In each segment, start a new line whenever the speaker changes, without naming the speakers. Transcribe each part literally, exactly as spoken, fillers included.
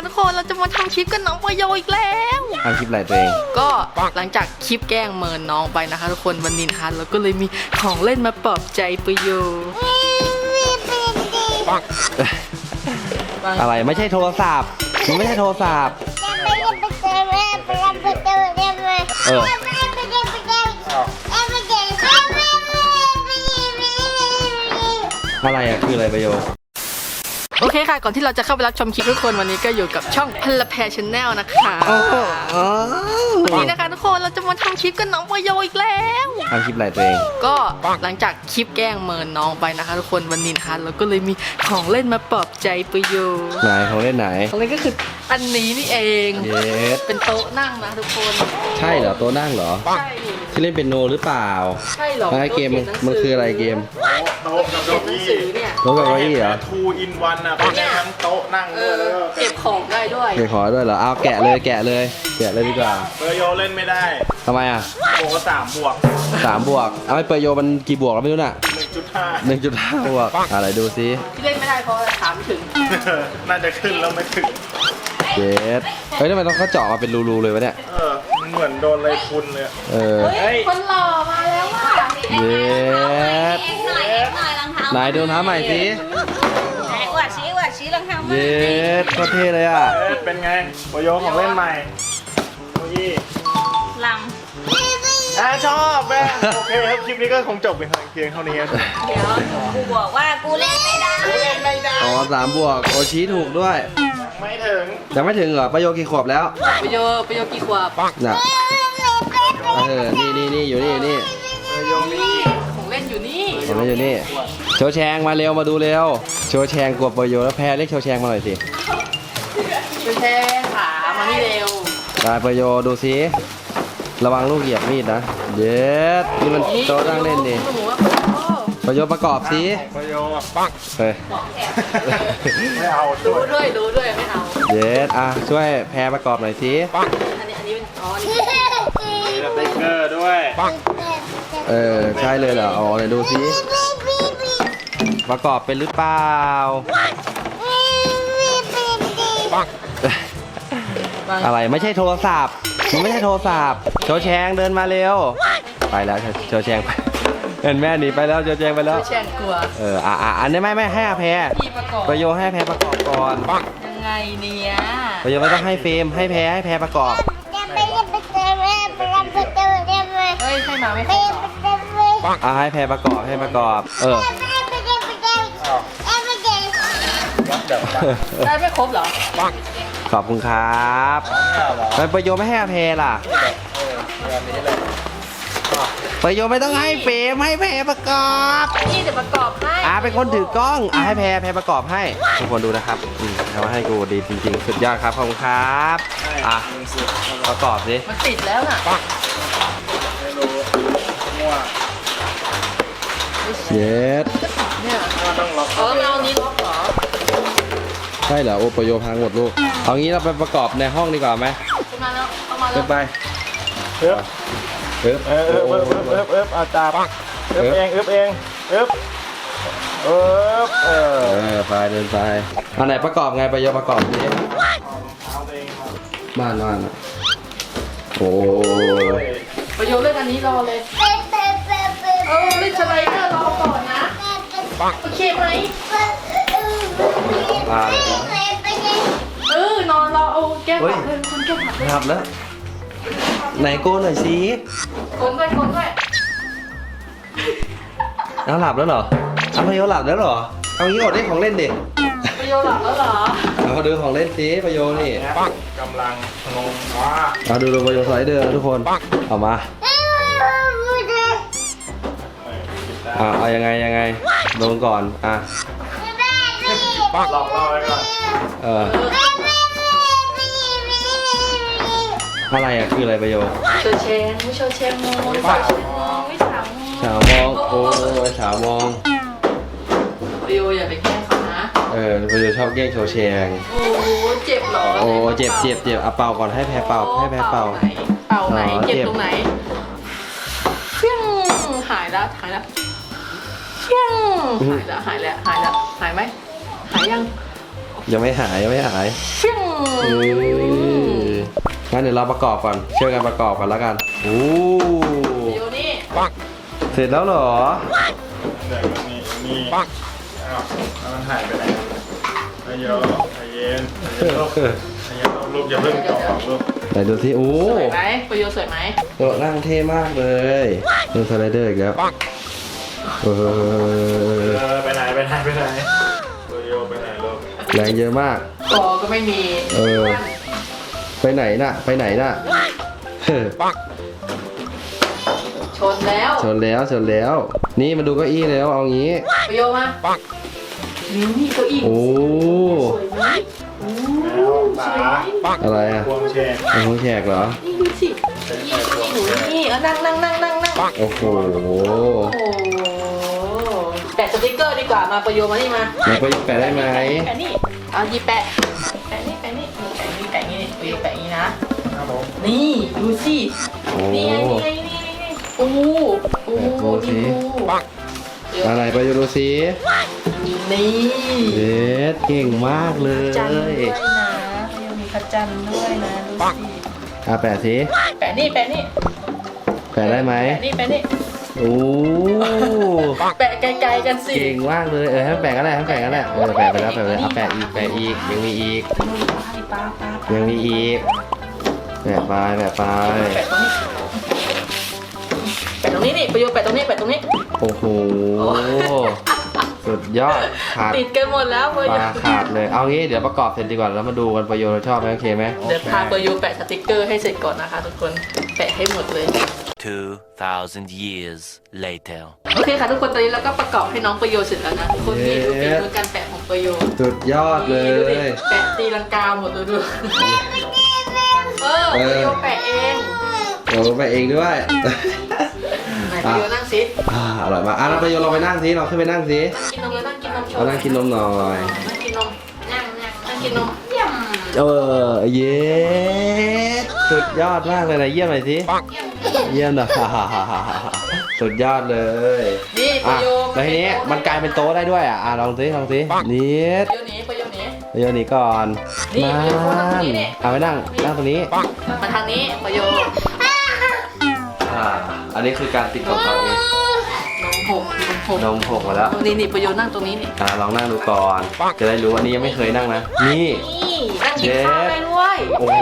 ทุกคนเราจะมาทำคลิปกับน้องปโยอีกแล้ว
ทำคลิปอะไรตัวเอง
ก็หลังจากคลิปแกล้งเมินน้องไปนะคะทุกคนวันนี้นะคะเราก็เลยมีของเล่นมาปลอบใจปโย
อะไรไม่ใช่โทรศัพท์มันไม่ใช่โทรศัพท์เอออะไรอะคืออะไรประโยชน์
โอเคค่ะก่อนที่เราจะเข้าไปรับชมคลิปทุกคนวันนี้ก็อยู่กับช่องพลแพชแนลนะคะวันนี้นะคะทุกคนเราจะมาทำคลิปกับน้องปโยอีกแล้ว
ทำคลิปอะไรตัวเอง
ก็หลังจากคลิปแกล้งเมินน้องไปนะคะทุกคนวันนี้นะคะเราก็เลยมีของเล่นมาปลอบใจปโย
ไหนของเล่นไหน
ของเล่นก็คืออันนี้นี่เอง
เย็ด
เป็นโต๊ะนั่งนะทุกคน
ใช่เหรอโต๊ะนั่งเหรอ
ใช่
ที่เล่นเป็นโนหรือเปล่า
ใช่หรอ
เกมมันคืออะไรเกม
โต๊ะกับเก้าอี้
โต๊ะกับเก้าอี้เหรอ
ทูอินวันอ่ะเป็นทั้งโต๊ะนั่งด้วยแล้วก็
เก็บของได้ด้วย
เก็บของด้วยเหรอเอาแกะเลยแกะเลยแกะเลยดีกว่า
เปอร์โยเล่นไม่ได้
ทำไมอ่ะ
โอ้สามบวก
สามบวกเอาไปเปอร์โยมันกี่บวกเราไม่รู้น่ะ
หนึ่งจุดห้า
หนึ่งจุดห้าบวกอะไรดูซิ
ที่เล่นไม่ได้เพราะถามถึง
น่าจะขึ้นแล้วไม่ถึง
เจ็ดเฮ้ยทำไมต้องเขาเจาะมาเป็นรูๆเลยวะเนี่ย
เออเหมือนโดนอะไรพุนเลย
เออ
เฮ้ยคนหล่อมาแล้วว่ะ
เย็ดไหนดูน้ำใหม่สิ
อวดชี้อวดชี้รองเท้า
เย็ดโคตรเท่เลยอ่ะ
เป็นไงโปโยของเล่นใหม่โอ้ย
ล
ำอ่ะชอบแม่โอเคครับคลิปนี้ก็คงจบเพียงเท่านี้เ
ดี๋ยวกูบอกว่ากูเล่นไม่ได้
กูเล่นไม่ได้
อ๋อสามบวกโอชี้ถูกด้วย
ไม่ถึง
ยังไม่ถึงเหรอประโยกี่ขวบแล้ว
ประโยประโยกี่ขวบ
น่ะเออนี่นี่นี่อยู่นี่นี่
ประโยนี่
ของเล่นอยู่นี่
ของเล่นอยู่นี่โชว์แชงมาเร็วมาดูเร็วโชว์แชงกวบประโยแล้วแพ้เรียกโชว์แชงมาหน่อยสิ
โชว์แชงขามานี่เร็ว
ได้ประโยดูสิระวังลูกเหยียบมีดนะเย็ดนี่มันโต๊ะนั่งเล่นดิประโยประกอบสิ
ประโยปัง
เฮ้ย
ไม่เอา
ดูด้วยดูด้วยไม่เอา
เย็ดอ่ะช่วยแพรประกอบหน่อยสิ
อันนี้อันนี้เป็นอ๋อนี่
สติ๊กเกอร์ด้วย
เออใช่เลยเหรออ๋อไหนดูสิประกอบเป็นหรือเปล่าอะไรไม่ใช่โทรศัพท์มันไม่ใช่โทรศัพท์โชว์แชงเดินมาเร็วไปแล้วโชว์แชงไปเห็นแม่หนีไปแล้วโชว์แชงไปแล้ว
แชงกลัว
เอออ่ะอ่ะอันนี้ไม่ไม่ให้แพรประโยชน์ให้แพรประกอบก่อน
ยังไงเนี่ย
ประโยชน์ไม่ต้องให้เฟรมให้แพรให้แพรประกอบ
เฮ้ยให้มาไม่ครบ
อ่ะให้แพรประกอบให้ประกอบเออ
ได้ไม่ครบเหรอ
ขอบคุณครับไปประโยชน์ไม่ให้แพรล่ะประโยชน์ไม่ต้องให้เฟรมให้แพรประกอบ
นี่จะประกอบให้
อ่าเป็นคนถือกล้องอ่าให้แพรแพรประกอบให้ทุกคนดูนะครับอืมทำให้กูดีจริงๆสุดยอดครับขอบคุณครับอ่ะประกอบสิ
มันติดแล้วน่ะ
ไม่รู้มั่ว
เย็ด
เนี่ยต้องล็อกเออเอานี้ล็อกเหรอ
ใช่เหรอโอประโยชน์พังหมดลูกเอางี้เราไปประกอบในห้องดีกว่าไหม
ขึ้นมาแล้วเอามาแล้ว
ไป
เอ๊บเอ๊บเอ๊บเอ๊บเอ๊บเอ๊บเอ๊บอาจารย์เอ๊บเองเอ๊บเองเอ๊บเอ๊บเออ
ไปเดินไปอันไหนประกอบไงประโยชน์ประกอบนี้บ้านบ้านโอ้
ประโยชน์เล่นอันนี้รอเลยเออเล่นสไลเดอร์รอก่อนนะโอเคไหมเออนอนรอเอาแก้ผักเลยคนแก้ผักเลย
หลับแล้วไหนโกนหน่อยสิ
โกนด้วยโกนด้วย
เอาหลับแล้วเหรอเอาประโยชน์หลับแล้วเหรอเอางี้อดได้ของเล่นดิ
ประโยชน์หลับแล้วเหรอ
เอาดูของเล่นสิประโยชน์นี่
กำลังงงว่า
เอาดูดูประโยชน์สไลเดอร์ทุกคนเอามาอ่าเอายังไงยังไงลงก่อนอ่ะ
หลอกเราไว้ก่อน
เอออะไรอ่ะคืออะไรประโยชน์
โชว์เชงไม่โชว์เชงมองไม่สาวมองไม่สาวมอง
สาวมองโอ้ยสาวมอง
ประโยชน์อย่าไปแกล้งเขานะ
เออประโยชน์ชอบแกล้งโชว์แชง
โอ้เจ็บหรอ
โอ้เจ็บเจ็บเจ็บเอาเป่าก่อนให้แพ้เป่าให้แพ้เป่า
เป่าไหนเจ็บตรงไหนเพี้ยงหายแล้วหายแล้วเพี้ยงหายแล้วหายแล้วหายแล้วหายไหมหายยังโอ
ยังไม่หายยังไม่หาย
ฟิ้ง
เอองั้นเดี๋ยวเราประกอบก่อนช่วยกันประกอบกันแล้วกันโอ้
อยู่นี่
เสร็จแล้วเหรอ
เดี๋ยวมีมีอ้าวแล้วมันหายไปไหนใจเย็นใจเย็นใจเย็นลูกใจเย็นลูกอย่าเพิ่งต่อลูก
ไหนดูสิโอ้
สวยไหมประโยชน์สวยไหม
โต๊ะนั่งเท่มากเลยดูสไลเดอร์อีกแล้วเอ
เอ
อ
อไปไหนไปไหนไปไหนโรโยไปไหนลูก
แรงเยอะมาก
กอก็ไม่มี
เออ ไปไหนน่ะ ไปไหนน่ะเฮ้อ
ชนแล้ว
ชนแล้วชนแล้ว นี่มาดูเก้าอี้แล้วเอางี้
ประโยชน์มานี่นี่เก้าอี้
โอ้
สวยไหมโอ้
แล้วตา
อะไรอ่ะ
พวงแชร์
เป็นห้องแขกเหรอ
นี่ดูสิ
ใช่ใช่พวง
หนู
แชร์
นี่เออนั่งนั่งนั่งนั่งนั่ง
โอ้โห
โอ้โหแปะสติกเกอร์ดีกว่ามาประโยชน์มานี่มา
แล้วก็แปะได้ไหม
แปะนี่เอาหยิบแปะแปะนี่แปะนี่แปะนี่แปะนี่ประโยชน์แปะนี่นะครับ
ผม
นี่ดูสิ
โอ้
นี่ไงนี่ไงนี่ไงนี่ไงโอ้โหโอ้โห
แปะดูสิ
นี่ดู
อะไรไปดูสิ
นี่
เด็ดเก่งมากเล
จันทร์ด้วย
ย
นะยังมีพระจันทร์ด้วยนะดูสิ
อ่ะแปะสิ
แปะนี่แปะนี่
แปะได้ไหม
แปะนี่แปะนี่
โอ้
แปะไกลๆกันสิ
เก่งมากเลย เออให้มันแปะกันแหละให้มันแปะกันแหละเออแปะไปแล้วแปะไปแล้วเอาแปะอีกแปะอีกยังมีอีก
ป้าป้า
ยังมีอีกแปะไปแปะไป
แปะตรงนี้แปะตรงนี้นี่ประโยชน์แปะตรงนี้แปะตรงนี้
โอ้โห สุดยอดขาด
ติดกันหมดแล้วประ
ป
โย
ลา
ชน์
ขาดเลย เอางี้เดี๋ยวประกอบเสร็จดีกว่าแล้วมาดูกันประโยชน์เราชอบไหมโอเคไหม
เดี๋ยวพาประโยชน์แปะสติกเกอร์ให้เสร็จก่อนนะคะทุกคนแปะให้หมดเลย
two thousand years later.
โอเคค่ะทุกคนตอนนี้เราก็ประกอบให้น้องประโยชน์เสร็จแล้วนะทุกคนนี่ดูฝีมือการแปะของประโยชน์
สุดยอดเล
นี่ดูดิ
ย
แปะตีลังกาหมดเลยดูเออประโยชน์แปะเอง
โอ้ไปเองด้วย
ไหนประโยชน์นั่งสิ
อ่าอร่อยมากอ่ะเราประโยชน์เราไปนั่งสิเราขึ้นไปนั่งสิ
กินนมเลยนั่งกินนมโชว์
เอานั่งกินนมหน่อย
นั่งกินนมนั่งนั่งนั่งกินนมยำ
เออเย้สุดยอดมากเลยนะเยี่ยมหน่อยสิเยี่ยมหน่อย สุดยอดเลย
นี่ประ
อ่ะ
โยชน์
แล้วทีนี้มันกลายเป็นโต๊ะได้ด้วยอ่ะอ่ะลองสิลองสินิด
ประโยชน์นี้ประโยชน์นี้
ประโยชน์นี้ก่อน
นี่
มา
ประโยชน์ตรงนี้นี่
เอาไปนั่งนั่งตรงนี้
มาทางนี้ประโยชน์
อ่าอันนี้คือการติดของเขาเอง
นมหกนมหก
นมหกมาแล้ว
นี่นี่ประโยชน์นั่งตรงนี้นี่
อ่าลองนั่งดูก่อน จะได้รู้อันนี้ยังไม่เคยนั่งนะ นี่
นี่นั่งกินข้าวได้ด้วย
โอ้โห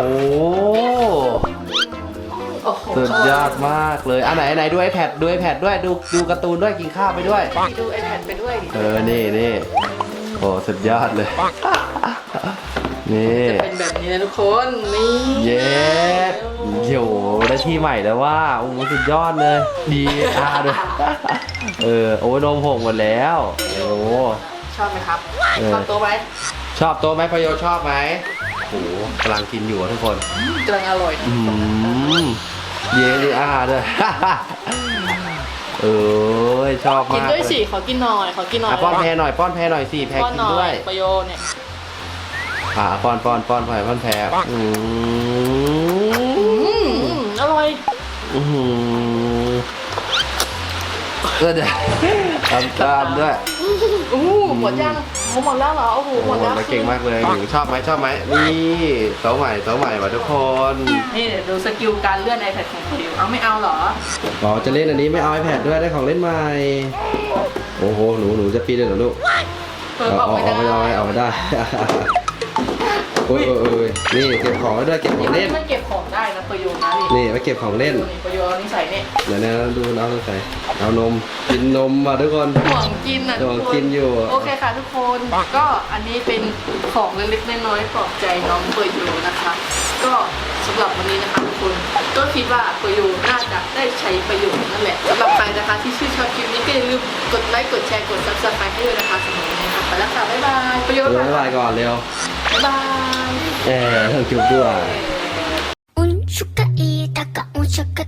โอ้โห
สุดยอดมากเลยอ่ะไหนไหนดู iPad ดู iPad ด้วยดูดูการ์ตูนด้วยกินข้าวไปด้วย
ดู iPad ไปด้วยดิ
เออ นี่นี่โอ้สุดยอดเลย นี่
จะเป็นแบบนี้นะทุกคนนี่
เย้โหได้ที่ใหม่แล้วว่าโอ้โหสุดยอดเลย ดีอาด้วย เออ โอ้ยนมหกหมดแล้ว โอ้
ชอบไหมครับ
เออ
ชอบโต๊ะไหม
ชอบโต๊ะไหมประโยชน์ชอบไหมโอ้โหกำลังกินอยู่อะทุกคน
กำลังอร่อยนะ
อืมเย้ดีอาด้วย เออชอบ
กิน
มาก
ด้วย
เล
สิ
ย
ขอกินหน่อยขอกินหน่อย
อ่ะป้อนแพรหน่อยป้อนแพรหน่อยสิแพร
ป้อน
กิน
หน่อ
ด้วย
ยประโยชน์เนี่ย
อ่ะป้อนป้อนป้อนแพรป้อนแพรอืม
อืมอืมอร่อย
อืมก็เดี๋ยวตามตามด้วย
อู้หมดยังโอ้หมดแล้วเหรอโอ้โห
โอ้
หมด
โห
แล้ว
แล้วเก่งมากเลยหนูชอบไหมชอบไหมนี่โต๊ะใหม่โต๊ะใหม่ว่ะทุกคน
นี่เดี๋ยวดูสกิลการเลื่อน iPad ของประโยชน์เอาไม่เอาเหรอ
อ๋อจะเล่นอันนี้ไม่เอา iPad ด้วยได้ของเล่นใหม่โอ้โหหนูหนูจะปีนเลยเหรอลูก
เปิด
เอา
ออก
เอา
ไม่
เอา
ได้
ไม่เอาเอาไม่ได้ โอ้ยโอ้ยโอ้ยนี่เก็บของไว้ด้วยเก็บของเล่น
มันเก็บของได้นะประโยชน์นะ
นี่ไว้เก็บของเล่น
นี่ประโยชน์เอานี่ใส่นี่
เดี๋ยวนะดูเอาลงใส่เอานมกินนมมาทุกคน
ห่วงกินอ่ะ
ห่วงกินอยู่
โอเคค่ะทุกคนก็อันนี้เป็นของเล็กๆน้อยๆปลอบใจน้องประโยชน์นะคะ ก็สำหรับวันนี้นะคะทุกคนก็คิดว่าประโยชน์น่าจะได้ใช้ประโยชน์นั่นแหละสำหรับใครนะคะที่ชื่นชอบคลิปนี้ก็อย่าลืมกดไลค์กดแชร์กดซับสไครต์ให้ด้วยนะคะสำหรับวันนี้ค่ะไปแล้วค่ะบ๊ายบายประโยชน์
เดี๋ยวบ๊ายบายก่อนเร็ว
บ๊ายบาย
เออต้องจุบด้วย
うんしゅかいたかうんしゅか